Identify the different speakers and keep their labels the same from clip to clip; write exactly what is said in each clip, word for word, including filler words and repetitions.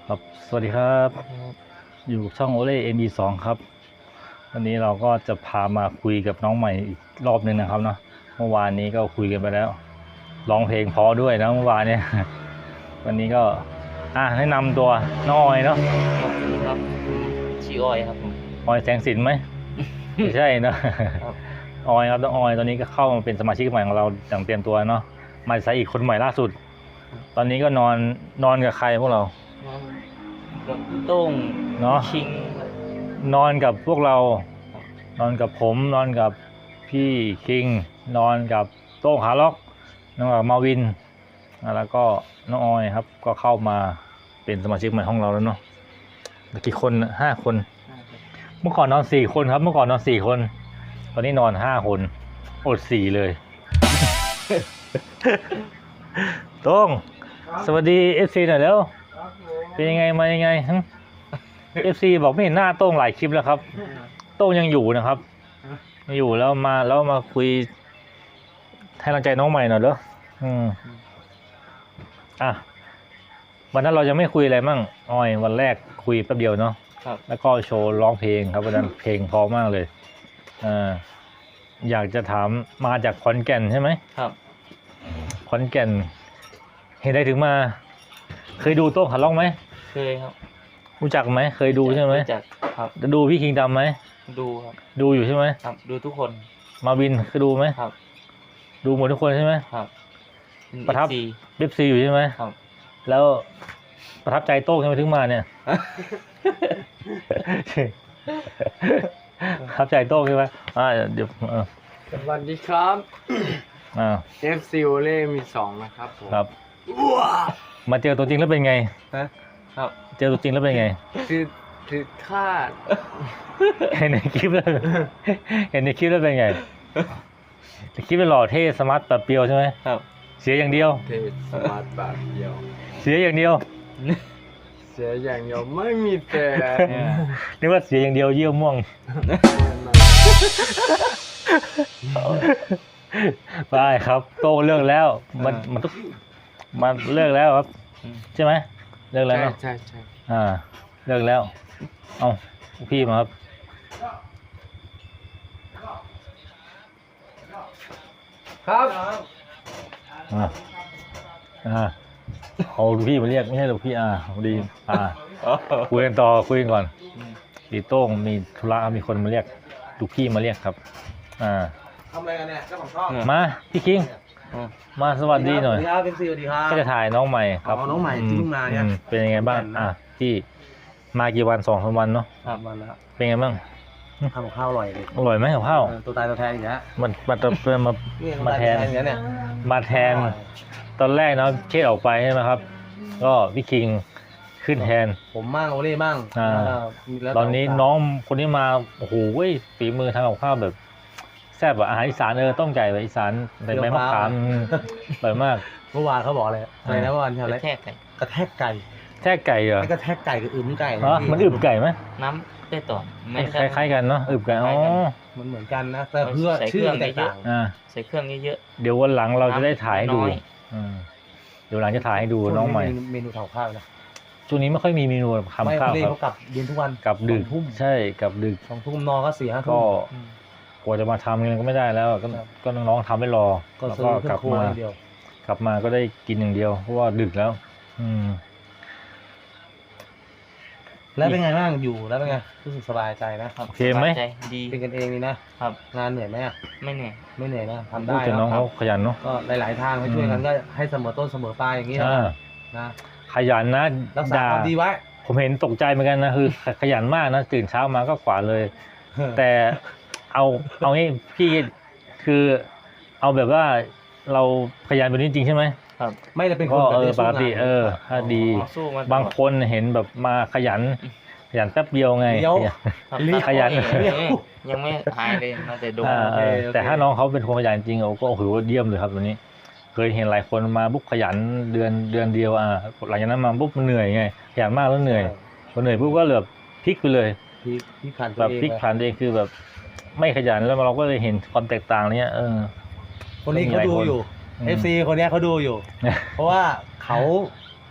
Speaker 1: ครับสวัสดีครับอยู่ช่องโอเล่เอ็มบีสองครับวันนี้เราก็จะพามาคุยกับน้องใหม่อีกรอบหนึ่งนะครับเนาะเมื่อวานนี้ก็คุยกันไปแล้วร้องเพลงเพราะด้วยนะเมื่อวานเนี่ยวันนี้ก็อ่ะแนะนำตัวน้องออยเนาะ
Speaker 2: ครับชื่อออยครับผม
Speaker 1: ออยแสงสินไหม ไม่ใช่เนาะออยครับน้องออยตอนนี้ก็เข้ามาเป็นสมาชิกใหม่ของเราอย่างเตรียมตัวเนาะมาใส่อีกคนใหม่ล่าสุดตอนนี้ก็นอนนอนกับใครพวกเรา
Speaker 2: กับโต้ง
Speaker 1: เนาะ
Speaker 2: คิง
Speaker 1: นอนกับพวกเรานอนกับผมนอนกับพี่คิงนอนกับโต้งขาล็อกนอนกับมาวินแล้วก็น้องออยครับก็เข้ามาเป็นสมาชิกใหม่ห้องเราแล้วเนาะกี่คนห้าคนเมื่อก่อนนอนสี่คนครับเมื่อก่อนนอนสี่คนตอนนี้นอนห้าคนอดสี่เลย โต้งสวัสดีเอฟซีหน่อยแล้วเป็นยังไงมายังไงเอฟซีบอกไม่เห็นหน้าโต้งหลายคลิปแล้วครับโต้งยังอยู่นะครับยังอยู่แล้วมาแล้วมาคุยให้กำลังใจน้องใหม่หน่อยเด้ออืมอ่ะวันนั้นเราจะไม่คุยอะไรมั่งออยวันแรกคุยแป๊บเดียวเนาะแล้วก็โชว์ร้องเพลงครับวันนั้นเพลงเพราะมากเลยอ่าอยากจะถามมาจากขอนแก่นใช่ไหม
Speaker 2: ครับ
Speaker 1: ขอนแก่นเห็นได้ถึงมาเคยดูโต้งขาล็อกไหม
Speaker 2: เคยครับ
Speaker 1: รู้จักไหมเคยดูใช่ไหม
Speaker 2: รู้จักครับ
Speaker 1: จะดูพี่คิงดำไหม
Speaker 2: ดูครับ
Speaker 1: ดูอยู่ใช่ไหม
Speaker 2: ครับดูทุกคน
Speaker 1: มาวินเคยดูไหม
Speaker 2: ครับ
Speaker 1: ดูหมดทุกคนใช่ไหม
Speaker 2: ครับ
Speaker 1: ประทับเอฟซีอยู่ใช่ไหม
Speaker 2: ครับ
Speaker 1: แล้วประทับใจโต้งใช่ไหมถึงมาเนี่ยประทับใจโต้งใช่ไหมอ่าเดี๋ยว
Speaker 3: สวัสดีครับ
Speaker 1: อ่า
Speaker 3: เอฟ ซี โอเล่มีสองนะครับผม
Speaker 1: ครับมาเจอตัวจริงแล้วเป็นไง
Speaker 2: ครับ
Speaker 1: เจอตัวจริงแล้วเป็นไง
Speaker 3: คือคือคาด
Speaker 1: เห็นในคลิปแล้วเห็นในคลิปแล้วเป็นไงในคลิปเป็นหล่อเท่สมาร์ทแบบเปียวใช่ไหม
Speaker 2: ครับ
Speaker 1: เสียอย่างเดียว
Speaker 3: เทสมาร์ทแบบเดียว
Speaker 1: เสียอย่างเดียว
Speaker 3: เสียอย่างเดียวไม่มีแต่
Speaker 1: นึกว่าเสียอย่างเดียวเยี่ยวม่วงไปครับโตเลิกแล้วมันมันต้องมันเลิกแล้วครับใช่ไหมเลิกแล้วเนาะ
Speaker 3: ใช่ใช่
Speaker 1: อ่าเลิกแล้วเอาพี่มาครับ
Speaker 3: ครับ
Speaker 1: อ่าอ่าเอาพี่มาเรียกไม่ใช่หรอกพี่อ่าดีอ่าคุยกันต่อคุยกันก่อนดีโต้งมีธุระมีคนมาเรียกดูพี่มาเรียกครับอ่า
Speaker 3: ทำอะไรกันเนี่ยเจ้าของช่อง
Speaker 1: มาพี่คิงมาสวัสดีหน่อย
Speaker 3: สวัสดีครับเป็นซีสวัสดีครับ
Speaker 1: ก็จะถ่ายน้องใหม่ครับ
Speaker 3: น้องใหม่ที่เพิ่งมาเนี่ย
Speaker 1: เป็นยังไงบ้างอ่ะที่มากี่วันสองสามวันเนาะ
Speaker 3: ครับวันแล้ว
Speaker 1: เป็นไงบ้าง
Speaker 3: ทำกับข้าวอร่อยเลย
Speaker 1: อร่อยไหมกับข้าว
Speaker 3: ตัวตายตัวแทนอีกแล้ว
Speaker 1: มันมาตัวมามาแทนมาแทนตอนแรกเนาะเชษออกไปใช่ไหมครับก็พี่คิงขึ้นแทน
Speaker 3: ผมมั่งโอเล่มั่ง
Speaker 1: อ่าตอนนี้น้องคนนี้มาโอ้โหฝีมือทำกับข้าวแบบแซ่บอาหารอีสานเออต้มไก่แบบอีสานใส่ใบมะขามอร่อยมาก
Speaker 3: เมื่อวานเขาบอกอะไรอะไรนะเมื่อวานทำอะไร
Speaker 2: กระแทกไก่
Speaker 3: กระแทกไก่
Speaker 1: แทกไก่เหรอก
Speaker 3: ระแทกไก่กับอึมไก่
Speaker 1: อ๋อมันอึมไก่ไหม
Speaker 2: น้ำได้ต่อ
Speaker 1: คล้ายๆกันเนาะอึมไก่อ๋อ
Speaker 3: มันเหมือนกันนะแต่เพื่อชื่อแตกต่าง
Speaker 1: อ่า
Speaker 2: ใส่เครื่องเยอะ
Speaker 1: ๆเดี๋ยววันหลังเราจะได้ถ่ายให้ดูเดี๋ยวหลังจะถ่ายให้ดูน้องใหม่
Speaker 3: เมนูทำข้าวนะ
Speaker 1: ช่วงนี้ไม่ค่อยมีเมนูทำข้าวครับ
Speaker 3: เขากลับเย็นทุกวัน
Speaker 1: กลับดึกใช่กลับดึก
Speaker 3: สองทุ่มนอนก็สี่ห้าทุ่ม
Speaker 1: ก็กว่าจะมาทำกันก็ไม่ได้แล้วก็ก็น้องๆทำไม่รอแล้วก็กลับมากลับมาก็ได้กินอย่างเดียวเพราะว่าดึกแล้วอืม
Speaker 3: แล้วเป็นไงบ้างอยู่แล้วเป็นไงรู้สึกสบายใจนะครับ
Speaker 1: โอเคไหม
Speaker 2: ดี
Speaker 3: เป็นกันเองนี่นะครับงานเหนื่อยไหมอ่ะ
Speaker 2: ไม่เหนื่อย
Speaker 3: ไม่เหนื่อยนะทำได้
Speaker 1: แต่น้องเขาขยันเนาะ
Speaker 3: ก็หลายๆทางให้ช่วยกันก็ให้เสมอต้นเสมอปลายอย่างนี้นะ
Speaker 1: ขยันนะ
Speaker 3: รักษาความดีไว้
Speaker 1: ผมเห็นตกใจเหมือนกันนะคือขยันมากนะตื่นเช้ามาก็ขวาเลยแต่เอาเอางี้พี่คือเอาแบบว่าเราขยันแบบนี้จริงใช่ไหม
Speaker 3: ครับไม่ได้เป็นคน
Speaker 1: เออปกติเออถ้าดีบางคนเห็นแบบมาขยันขยันแป๊บเดียวไงขยัน
Speaker 2: ยังไม่หายเลยมาแต่ดู
Speaker 1: แต่ถ้าน้องเขาเป็นคนขยันจริงโอ้ก็โอ้โหเยี่ยมเลยครับตัวนี้เคยเห็นหลายคนมาปุ๊บขยันเดือนเดือนเดียวอ่ะหลังจากนั้นมาปุ๊บมันเหนื่อยไงขยันมากแล้วเหนื่อยพอเหนื่อยปุ๊บก็แบบพลิกไปเลย
Speaker 3: พลิกผัน
Speaker 1: แบบพลิกผันเองคือแบบไม่ขยันแล้วเราก็เลยเห็นความแตกต่างเนี้ยเออ
Speaker 3: คนนี้เขาดูอยู่ เอฟ ซี คนนี้เขาดูอยู่เพราะว่าเขา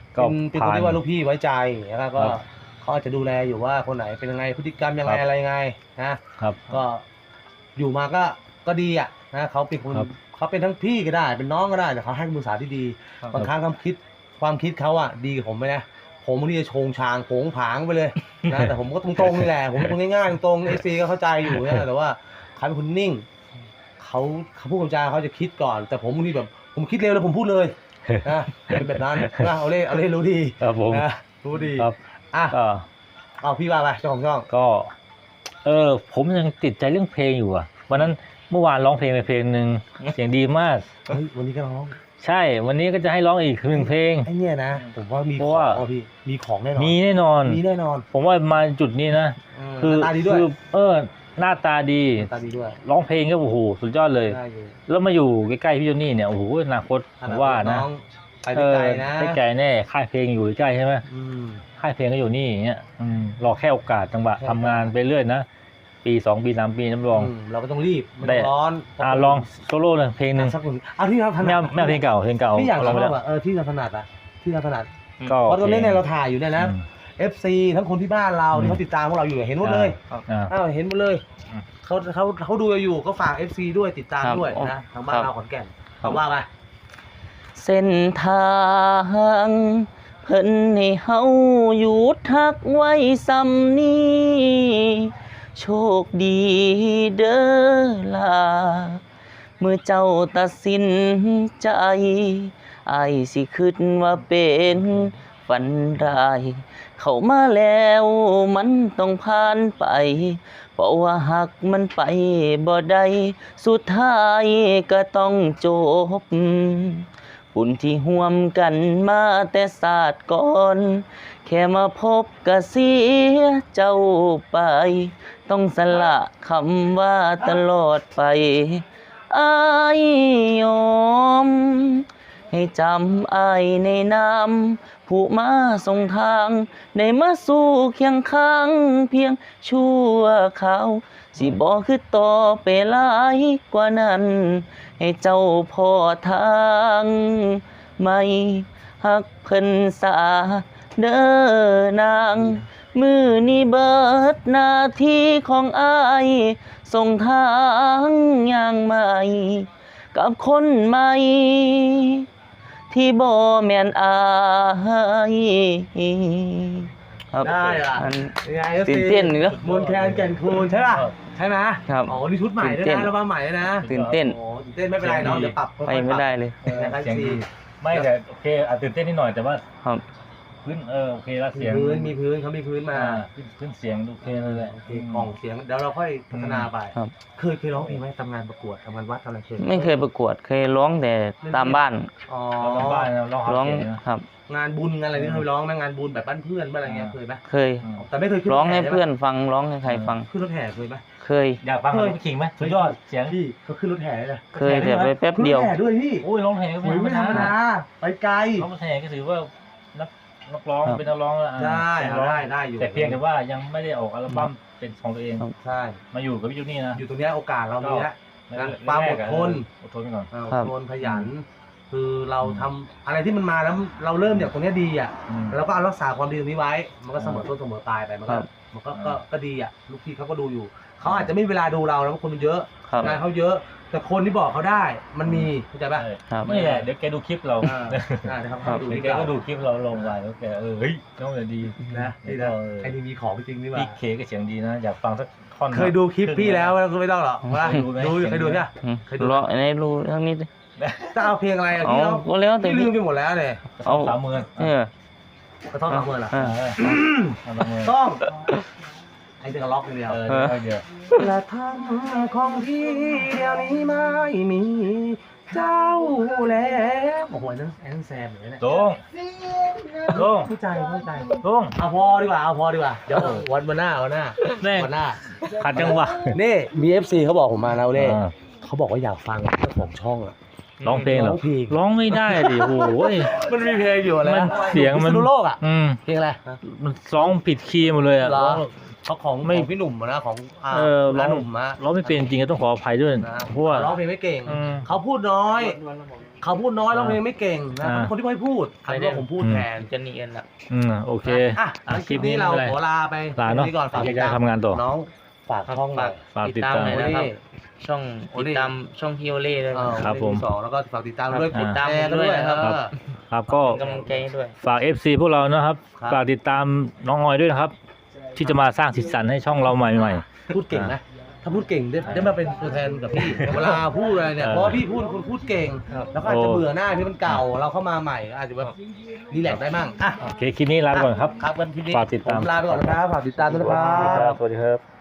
Speaker 1: ก็
Speaker 3: เป็นเป็นคน
Speaker 1: ผ่าน
Speaker 3: ที่ว่าลูกพี่ไว้ใจแล้วก็
Speaker 1: ครับ
Speaker 3: เขาอาจจะดูแลอยู่ว่าคนไหนเป็นยังไงพฤติกรรมยังไง
Speaker 1: ครับ
Speaker 3: อะไรยังไงนะครับ ก็อยู่มาก็ก็ดีอ่ะนะเขาเป็นคน
Speaker 1: ครับ
Speaker 3: เขาเป็นทั้งพี่ก็ได้ เป็นน้องก็ได้แต่เขาให้คำปรึกษาที่ดี
Speaker 2: ครับ
Speaker 3: บางครั้งความคิดความคิดเขาอ่ะดีกับผมไหมนะผมบางทีจะโชงชางโผงผางไปเลยนะแต่ผมก็ตรงๆนี่แหละผมเป็นคนง่ายๆตรงๆเอซีก็เข้าใจอยู่นะแต่ว่าเขาเป็นคนนิ่งเขาเขาพูดคำจาเขาจะคิดก่อน แต่ผมบางทีแบบผมคิดเร็วแล้วผมพูดเลยนะเป็นแบบนั้นนะเอาเล่เอาเล่รู้ดี
Speaker 1: ครับผม
Speaker 3: นะรู้ดี
Speaker 1: ครับ
Speaker 3: อ่ะ
Speaker 1: ก็
Speaker 3: เอาพี่ว่าไปเจ้าของช่อง
Speaker 1: ก็ เออ ผมยังติดใจเรื่องเพลงอยู่อ่ะ วันนั้นเมื่อวานร้องเพลงไปเพลงหนึ่งเสียงดีมาก
Speaker 3: เฮ้ยวันนี้ก็ร้อง
Speaker 1: ใช่ วันนี้ก็จะให้ร้องอีกหนึ่งเพลง
Speaker 3: ไอ้เนี่ยนะผมว่ามี
Speaker 1: เพ
Speaker 3: ขอ
Speaker 1: ราะ
Speaker 3: ง
Speaker 1: ว่า
Speaker 3: อ่ะพี่มีของแน่นอน
Speaker 1: มีแน่นอน
Speaker 3: มีแน่นอน
Speaker 1: ผมว่ามาจุดนี้นะ
Speaker 3: เ
Speaker 1: คือ
Speaker 3: หน้าตาดีด้วย
Speaker 1: คือเออ หน้าตาดี
Speaker 3: หน้าตาดีด้วย
Speaker 1: ร้องเพลงก็โอ้โหสุดยอดเลย
Speaker 3: ได้อยู่
Speaker 1: แล้วมาอยู่ใกล้ๆพี่โจนี่เนี่ยโอ้โหอนาคตผมว่านะ
Speaker 3: องไป
Speaker 1: เอ
Speaker 3: ได้
Speaker 1: อ
Speaker 3: ไกลนะ
Speaker 1: ได้ไกลแน่ค่ายเพลงอยู่ใกล้ใช่ไหม
Speaker 3: อืม
Speaker 1: ค่ายเพลงก็อยู่นี่อย่างเงี้ยอืมรอแค่โอกาสจังหวะ
Speaker 3: ใช่
Speaker 1: ทำงานไปเรื่อยนะปีสองปีสามปีน้ำรอง
Speaker 3: อืมเราก็ต้องรีบไม่
Speaker 1: ได้
Speaker 3: ต้องร้อน
Speaker 1: อ่าลองโซโล่เลยเพลงหนึ่ง
Speaker 3: อ่ะสักคนเอาที่เราถ
Speaker 1: ไม่
Speaker 3: นั
Speaker 1: เอา
Speaker 3: ด
Speaker 1: ไม่เอาเพลงเก่าเพลงเก่า
Speaker 3: ที่อยาก
Speaker 1: ล
Speaker 3: ล
Speaker 1: อ
Speaker 3: อง ง
Speaker 1: ไปแล้ว
Speaker 3: อ่ะเออที่เราถนัดอ่ะที่เราถนัด
Speaker 1: ก็
Speaker 3: เพราะตอนนี้เนี่ย
Speaker 1: โอค
Speaker 3: เราถ่ายอยู่เนี่ยนะ
Speaker 1: อืม
Speaker 3: เอฟ ซี ทั้งคนที่บ้านเรา
Speaker 1: อืม
Speaker 3: ที่เขาติดตามพวกเราอยู่เห็นหมดเลย
Speaker 2: ครับ
Speaker 1: อ่า
Speaker 3: อ้าวเห็นหมดเลย
Speaker 1: อืม
Speaker 3: เขาเขาเขาดูอยู่ก็ฝาก เอฟ ซี ด้วยติดตาม
Speaker 2: ครับ
Speaker 3: ด้วย
Speaker 2: อ๋อ
Speaker 3: นะทางบ้าน
Speaker 2: ครับ
Speaker 3: เราขอนแก่น
Speaker 2: ครับ
Speaker 3: คำว่าไป
Speaker 2: เส้นทางเพิ่นให้เฮาหยุดทักไว้ซ้ำนี้โชคดีเด้อล่ะเมื่อเจ้าตัดสินใจอายสิคิดว่าเป็นฝันร้าย เข้ามาแล้วมันต้องผ่านไป เพราะว่าหักมันไปบ่ได้สุดท้ายก็ต้องจบ บุญที่ห่วมกันมาแต่ศาสตร์ก่อน แค่มาพบก็เสียเจ้าไป ต้องสละคำว่าตลอดไปอายยอม ให้จำอายในนามผู้มาส่งทางได้มาสู่เคียงข้างเพียงชั่วคราว สิบ่คือต่อไปหลายกว่านั้น ให้เจ้าพอทางไม่ฮักเพิ่นสาเด้อนาง มือนี้เบิดหน้าที่ของอายส่งทางอย่างใหม่ กับคนใหม่ ที่บ่แม่นอายครับ
Speaker 3: ได้ล่ะ
Speaker 2: อัน
Speaker 3: ยังไง
Speaker 2: ตื่นเต้นเนอะ
Speaker 3: มนแคนแก่นคูณใช่ป่ะใช่ไหม
Speaker 2: ครับ
Speaker 3: อ๋อนี่ชุดใหม่ด้วย
Speaker 2: ตื่นเต้
Speaker 3: นะ
Speaker 2: น
Speaker 3: ระบ้าใหม่ด้วยนะ
Speaker 2: ตื่นเต้น
Speaker 3: โอ้ตื่นเต้นไม่เป็นไรเนาะเดี๋ยวปรับค่อยๆ
Speaker 2: ไปไม่ได้เลย
Speaker 3: ปรับนะครับ
Speaker 1: เสียง
Speaker 3: ซี
Speaker 1: ดีไม่แต่โอเคอาจตื่นเต้นนิดหน่อยแต่ว่า
Speaker 2: ครับ
Speaker 1: พื้นเออโอเคแล้ว
Speaker 3: มี
Speaker 1: เสียง
Speaker 3: พื้นมีพื้นเขามีพื้นมา
Speaker 1: อ่าพื้นพื้นเสียงโอเคเลยแหละ
Speaker 3: โอเคกล่องเสียงเดี๋ยวเราค่อยพัฒนาไป
Speaker 2: ครับ
Speaker 3: เคยเคยร้องเพลงไหมทำงานประกวดทำงานวัดทำอะไรเคย
Speaker 2: ไม่เคยประกวดเคยร้องแต่ตามบ้าน
Speaker 3: อ๋อ
Speaker 1: เราทำบ้านนะเราหา
Speaker 2: ร้อง
Speaker 1: เสียงนะครับ
Speaker 3: งานบุญงานอะไรนี่เคยร้องไหมงานบุญแบบบ้านเพื่อนบ้านอะไรเงี้ยเคยไหม
Speaker 2: เคย
Speaker 1: อืม
Speaker 3: แต่ไม่เคยขึ้น
Speaker 2: ร้องให้
Speaker 3: ถแห่
Speaker 2: เพื่อนฟังร้องให้ใครฟัง
Speaker 3: ขึ้นรถแห่เคยไหม
Speaker 2: เคย
Speaker 1: อยากฟังของพี่คิงไหมสุดยอดเสียง
Speaker 3: พี่เขาขึ้นรถแห่เลยนะ
Speaker 2: เคยแต่ไปแป๊บเดียว
Speaker 3: ขึ้นรถแห่ด้วยพี่
Speaker 1: โอ้ยร้องเพลงก็
Speaker 3: โอ้ยไม่ธรรมดาไปไกล
Speaker 1: ร้องเพลงก็ถือว่านักนักร้อง
Speaker 2: ครับ
Speaker 1: เป็นนักร้องแล้วอ่ะ
Speaker 3: ได้
Speaker 1: เป็นนักร้อง
Speaker 3: ได้ได้อยู่
Speaker 1: แต่เพียงแต่ว่ายังไม่ได้ออกอัลบั้มเป็นของตัวเอง
Speaker 2: ครับ
Speaker 3: ใช่
Speaker 1: มาอยู่กับพี่จูนี่นะ
Speaker 3: อยู่ตรงเนี้ยโอกาสเรามีแล้ว
Speaker 1: ก็
Speaker 3: ความอดทน
Speaker 1: อดทนไปก่อน
Speaker 3: เออ
Speaker 2: ครับ
Speaker 3: โดนขยัน คือเราทำอะไรที่มันมาแล้วเราเริ่มจากตรงเนี้ยดีอ่ะ
Speaker 1: อืม
Speaker 3: เราก็เอารักษาความดีตรงนี้ไว้ มันก็เสมอต้นเสมอปลายไปมัน
Speaker 2: ค
Speaker 3: ก็
Speaker 2: รับ
Speaker 3: มันก็
Speaker 1: อ่า
Speaker 3: ก็ก็ดีอ่ะลูกพี่เขาก็ดูอยู่เขาอาจจะไม่มีเวลาดูเราแล้วเพราะคนมันเยอะ
Speaker 2: ครับ
Speaker 3: งานเขาเยอะ แต่คนที่บอกเขาได้มันมีเข้าใจป่ะ
Speaker 1: ใช่
Speaker 2: ครับ
Speaker 1: ไม่แหละเดี๋ยวแกดูคลิปเรา
Speaker 3: อ่าอ่าเดี๋ยวเขา
Speaker 2: ครับ
Speaker 3: ดู
Speaker 1: เดี๋ยว
Speaker 3: ที่
Speaker 1: แก
Speaker 3: เรา
Speaker 1: ก็ดูคลิปเราลงไปแล้วแกเออเฮ้ยน้องเดี๋ยวดี
Speaker 3: นะนี่นะไอ้นี่มีของจริงนี่หว่า
Speaker 1: พี่เคก็เสียงดีนะ อยากฟังสักท่อน
Speaker 3: เคยดูคลิปพี่แล้วไม่ต้องหรอกว่า
Speaker 1: ดูไหม
Speaker 3: ดูเคยดูใช่ไหม
Speaker 2: อืม
Speaker 3: เคยดู
Speaker 2: ร้องในรู้ทั้งนี้ดิ
Speaker 3: จะเอาเพลงอะไรอ่ะ
Speaker 2: เอา
Speaker 3: พี่เรา
Speaker 2: ก็แล้วแต่
Speaker 3: พี่ลื
Speaker 2: พี่
Speaker 3: มไปหมดแล้วเนี่ย
Speaker 2: เอา
Speaker 1: สามหมื่น
Speaker 2: เออก
Speaker 3: ระท่อมสามหมื่นเหรอ
Speaker 2: เออ
Speaker 1: เออเอาสามหมื่น
Speaker 3: ต้องไอ้เด็กล็อกอย่างเดียว
Speaker 1: เออเดี๋ยวเดี๋ยว
Speaker 3: และทำของพี่เดี๋ยวนี้ไม่มีเจ้าแล้วโอ้โหนั่นไอ้นั่นแซมเหมือนกันเนี่ย
Speaker 1: ตรงตรง
Speaker 3: เข้าใจเข้าใจ
Speaker 1: ตรง
Speaker 3: เอาพอดีกว่าเอาพอดีกว่าเดี๋ยววันวันหน้าวันหน้า
Speaker 1: แม่ง
Speaker 3: วันหน้า
Speaker 1: ขัดจังหวะ
Speaker 3: นี่มี เอฟ ซี เขาบอกผมมาแล้วเล่
Speaker 1: อ่า
Speaker 3: เขาบอกว่าอยากฟังเจ้าของช่องอ่ะ
Speaker 1: ร้องเพลงเหรอ
Speaker 3: ร้องเพลง
Speaker 1: ร้องไม่ได้ดิโอ้ย
Speaker 3: มันมีเพลงอยู่อะไร
Speaker 1: มัน
Speaker 3: นะ
Speaker 1: เสียงมัน
Speaker 3: พิษณุโลกอ่ะ
Speaker 1: อืม
Speaker 3: เพลงอะไร
Speaker 1: มันร้องผิดคีย์หมดเลยอ่ะ
Speaker 3: เหรอ
Speaker 1: ร้อง
Speaker 3: เขาของ
Speaker 1: ไม่
Speaker 3: ของพี่หนุ่มอะนะของอ่า
Speaker 1: เออร้
Speaker 3: ร้า
Speaker 1: อน ง
Speaker 3: หนุ่มอะ
Speaker 1: ร้องไม่เป็นจริงๆต้องขออภัยด้วย
Speaker 3: นะ
Speaker 1: เพราะว่า
Speaker 3: ร้องเพลงไม่เก่ง
Speaker 1: อืม
Speaker 3: เขาพูดน้อย เขาพูดน้อยร้องเพลงไม่เก่งนะ
Speaker 1: อ่า
Speaker 3: เขาเป็นคนที่ไม่พูดอันนี้ผมพูดแทน
Speaker 2: จะหนีกันละ
Speaker 1: อืมโอเค
Speaker 3: อ่ะงั้นคลิปนี้เรา
Speaker 1: ไม่เป็นไร
Speaker 3: ขอลาไป
Speaker 1: ลาเนอะ
Speaker 3: ตรงนี้ก่อนฝากติด
Speaker 1: อยาก
Speaker 3: ตาม
Speaker 1: ทำงานต่อ
Speaker 3: น้องฝากช่องหน่อย
Speaker 1: ฝากติดตาม
Speaker 2: หน่อย
Speaker 3: โอ
Speaker 2: นะ
Speaker 3: เล่
Speaker 2: ครับ ช่อง
Speaker 3: โอเล่
Speaker 2: ติดตามช่องพี่โอเล่ด้วย
Speaker 3: เอ
Speaker 2: นะ
Speaker 3: อ
Speaker 1: ครับผม
Speaker 3: สองแล้วก็ฝากติดตามด้วย
Speaker 1: ครับ
Speaker 3: กด
Speaker 2: ตาม
Speaker 3: แชร์
Speaker 2: ผมด้
Speaker 3: ด้
Speaker 2: ว
Speaker 3: วย ย
Speaker 2: นะครับ
Speaker 3: เออ
Speaker 1: ครับก็
Speaker 2: เป็นกำลังใจให้ด้วย
Speaker 1: ฝาก เอฟ ซี พวกเรานะครับ
Speaker 3: ครับ
Speaker 1: ฝากติดตามน้องออยด้วยนะครับ ที่จะมาสร้างสีสันให้ช่องเราใหม่
Speaker 3: พูดเก่งนะ ถ้าพูดเก่งได้ได้มาเป็นตัวแทนกับพี่ เวลาพูดอะไรเนี่ย
Speaker 1: เออ
Speaker 3: เพราะว่าพี่พูดคุณพูดเก่ง แล้วก็อาจจะ
Speaker 1: โอ้
Speaker 3: เบื่อหน้าที่มันเก่า เราเข้ามาใหม่ก็อาจจะแบบรีแลกซ์ได้มั่งอ่ะ
Speaker 1: ๆ โอเค คลิปนี้ลาไปก่อนครับ
Speaker 3: ครับวันที่นี้
Speaker 1: ฝากติดตาม
Speaker 3: ผมลาไปก่อนนะครับ ฝากติดตามด้วยนะครับ
Speaker 1: สวัสดีครับ